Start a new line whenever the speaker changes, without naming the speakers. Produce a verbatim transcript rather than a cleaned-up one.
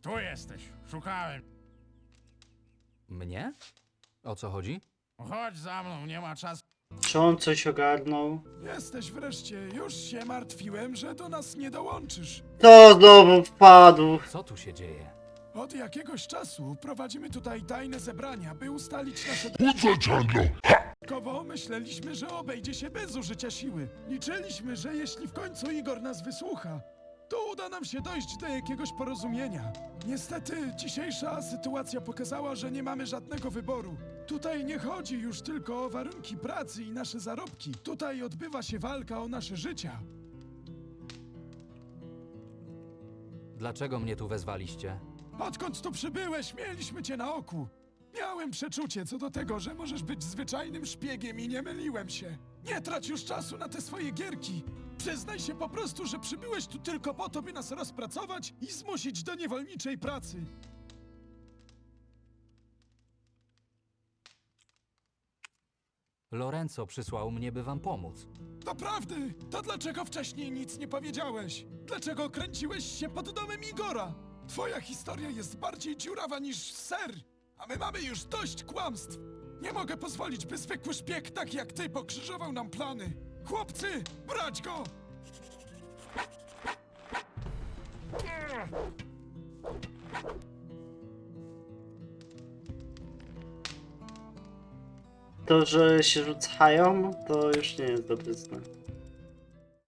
Tu jesteś. Szukałem.
Mnie? O co chodzi?
Chodź za mną, nie ma czasu.
Czy on coś ogarnął?
Jesteś wreszcie. Już się martwiłem, że do nas nie dołączysz.
To znowu wpadł.
Co tu się dzieje?
Od jakiegoś czasu prowadzimy tutaj tajne zebrania, by ustalić nasze... Kowo myśleliśmy, że obejdzie się bez użycia siły. Liczyliśmy, że jeśli w końcu Igor nas wysłucha, to uda nam się dojść do jakiegoś porozumienia. Niestety, dzisiejsza sytuacja pokazała, że nie mamy żadnego wyboru. Tutaj nie chodzi już tylko o warunki pracy i nasze zarobki. Tutaj odbywa się walka o nasze życia.
Dlaczego mnie tu wezwaliście?
Odkąd tu przybyłeś, mieliśmy cię na oku. Miałem przeczucie co do tego, że możesz być zwyczajnym szpiegiem i nie myliłem się. Nie trać już czasu na te swoje gierki. Przyznaj się po prostu, że przybyłeś tu tylko po to, by nas rozpracować i zmusić do niewolniczej pracy.
Lorenzo przysłał mnie, by wam pomóc.
Doprawdy, to dlaczego wcześniej nic nie powiedziałeś? Dlaczego kręciłeś się pod domem Igora? Twoja historia jest bardziej dziurawa niż ser, a my mamy już dość kłamstw. Nie mogę pozwolić, by zwykły szpieg tak jak ty pokrzyżował nam plany. Chłopcy, brać go!
To, że się rzucają, to już nie jest dobry znak.